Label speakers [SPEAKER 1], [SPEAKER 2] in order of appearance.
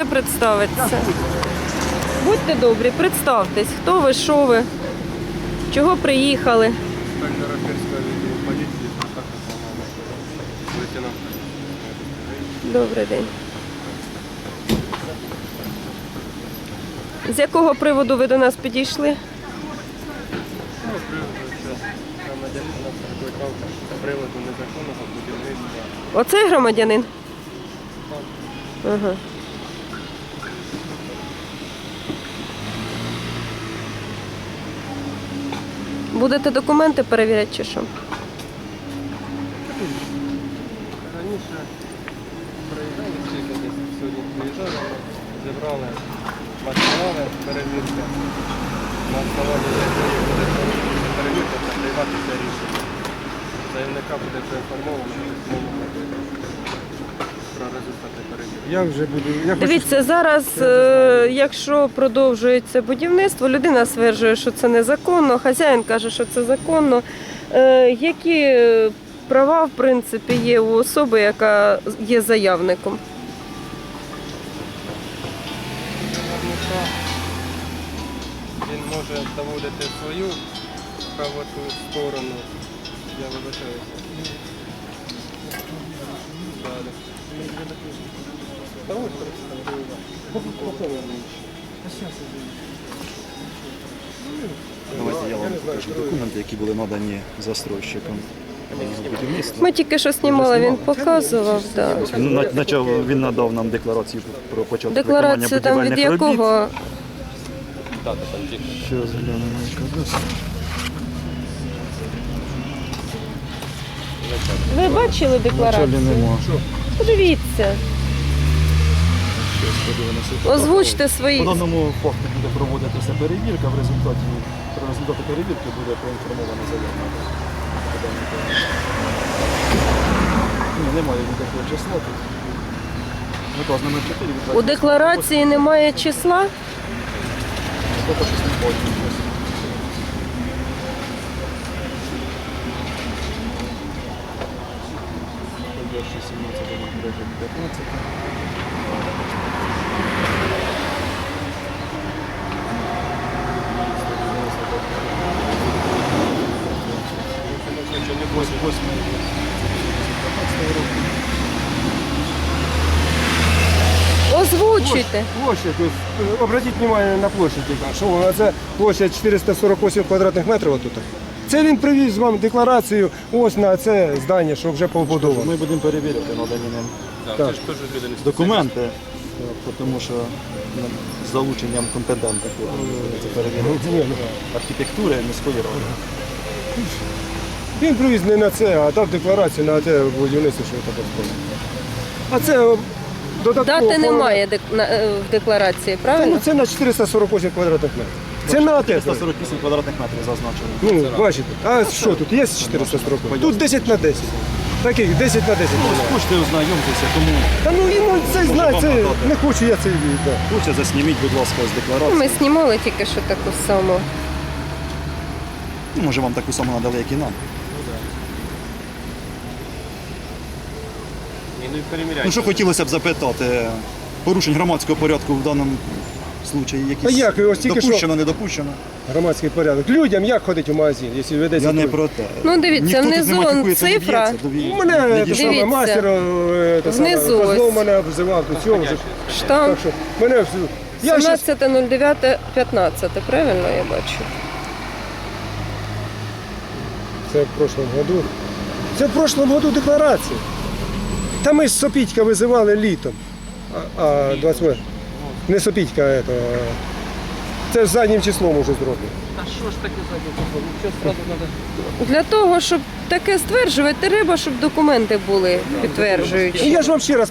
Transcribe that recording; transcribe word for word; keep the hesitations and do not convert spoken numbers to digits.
[SPEAKER 1] представитися? Будьте добрі, представтесь, хто ви, що ви, чого приїхали.
[SPEAKER 2] Інспектор Ракирського відділу поліції, контакту полного лейтенант.
[SPEAKER 1] Добрий день. З якого приводу ви до нас підійшли?
[SPEAKER 2] Ну, приводу, що громадянин нас викликав з приводу незаконного будівництва.
[SPEAKER 1] Оцей громадянин? Ага. Будете документи перевіряти чи що?
[SPEAKER 2] Раніше приїжджали, скільки десь сьогодні приїжджали, зібрали матеріали перевірки. На основанні якої буде проводитися перевірка та прийматися рішення. Заявника буде проінформовано в письмовому про результати перевірки.
[SPEAKER 3] Я вже буду. Я хочу...
[SPEAKER 1] Дивіться, зараз, е, якщо продовжується будівництво, людина стверджує, що це незаконно, хазяїн каже, що це законно. Е, Які права, в принципі, є у особи, яка є заявником?
[SPEAKER 2] Заявника він може доводити свою правоту сторону. Я вибачаюся. Далі. Та ось представляю.
[SPEAKER 4] Давайте я вам покажу документи, які були надані застройщиком будівництва.
[SPEAKER 1] Ми тільки що знімали, він показував. Да.
[SPEAKER 4] Він, на- начав, він надав нам декларацію про початок виконання
[SPEAKER 1] Декларацію там від
[SPEAKER 4] будівельних робіт.
[SPEAKER 1] якого?
[SPEAKER 2] Дата там тільки.
[SPEAKER 4] Що зглянемо, яка дата?
[SPEAKER 1] Ви бачили
[SPEAKER 4] Вначалі
[SPEAKER 1] декларацію?
[SPEAKER 4] нема.
[SPEAKER 1] Подивіться,
[SPEAKER 4] Щось подивимося. Тут
[SPEAKER 1] озвучте
[SPEAKER 4] По
[SPEAKER 1] свої.
[SPEAKER 4] даному факту буде проводитися перевірка, в результаті про результати перевірки буде проінформована заявник. По даній темі. Ні, немає ніякого числа тут. Наказ номер чотири від
[SPEAKER 1] У декларації немає числа?
[SPEAKER 4] Поки щось не бачу. Перший сімнадцятий, третій, п'ятнадцятий. Ось восьмий п'ятнадцятого року.
[SPEAKER 1] Озвучуйте.
[SPEAKER 3] Площадь, ось, е, обратіть увагу на площадь, яка. Що вона? Це площа чотириста сорок вісім квадратних метрів отут. Це він привіз вам декларацію ось на це здання, що вже побудовано.
[SPEAKER 4] Ми будемо перевірити надані ним
[SPEAKER 2] Так,
[SPEAKER 3] Так.
[SPEAKER 2] це ж теж люди не
[SPEAKER 4] документи, е, тому що ну, з залученням компетентних органів це перевірити
[SPEAKER 3] Ні, ну,
[SPEAKER 4] архітектури міської ради.
[SPEAKER 3] Він привіз не на це, а дав декларацію на те будівництво, що таке входить. А це е, додатково.
[SPEAKER 1] Дати немає дек- на- е, в декларації,
[SPEAKER 3] Та,
[SPEAKER 1] правильно?
[SPEAKER 3] ну, це на чотириста сорок вісім квадратних метрів. Це на те.
[SPEAKER 4] чотириста сорок вісім квадратних метрів зазначено.
[SPEAKER 3] Ну, бачите. А що тут? Є чотириста сорок? Тут десять на десять. Таких десять на десять.
[SPEAKER 4] Ну, хочете ознайомтеся, тому
[SPEAKER 3] Та ну йому це знає,
[SPEAKER 4] вам
[SPEAKER 3] це
[SPEAKER 4] надати.
[SPEAKER 3] не хочу я це віддати.
[SPEAKER 4] хочете засніміть, будь ласка, з декларації.
[SPEAKER 1] Ми знімали тільки що таку саму.
[SPEAKER 4] Ну, може вам таку саму надали, як і нам.
[SPEAKER 2] Ні, ну і перевіряйте.
[SPEAKER 4] Ну що хотілося б запитати, порушень громадського порядку в даному случаї якісь
[SPEAKER 3] А як? Ось тільки
[SPEAKER 4] допущено,
[SPEAKER 3] що-
[SPEAKER 4] не допущено?
[SPEAKER 3] Громадський порядок. Людям як ходить у магазин, якщо ведеться?
[SPEAKER 4] Я не
[SPEAKER 3] той-
[SPEAKER 4] про те.
[SPEAKER 1] Ну, дивіться,
[SPEAKER 4] Ніхто тут не
[SPEAKER 1] внизу
[SPEAKER 4] матюкується, не
[SPEAKER 1] цифра.
[SPEAKER 4] б'ється, дові-
[SPEAKER 3] У мене
[SPEAKER 4] не
[SPEAKER 3] те
[SPEAKER 4] дійсно.
[SPEAKER 3] саме
[SPEAKER 1] Дивіться.
[SPEAKER 3] мастер, е, те саме,
[SPEAKER 1] Внизу ось.
[SPEAKER 3] Козлов мене обзивав до цього. вже.
[SPEAKER 1] Штамп
[SPEAKER 3] Так що мене всю. Я щас...
[SPEAKER 1] сімнадцяте нуль дев'яте п'ятнадцяте, правильно я бачу?
[SPEAKER 3] Це в прошлом году. Це в прошлом году декларація. Та ми з Сопітька визивали літом. А, а двадцять восьмого. Не Сопітька, а это, це ж заднім числом уже зроблено.
[SPEAKER 2] А що ж таке заднє число? Ну, що одразу треба?
[SPEAKER 1] Для того, щоб таке стверджувати, треба, щоб документи були підтверджуючі.
[SPEAKER 3] І я ж вам ще раз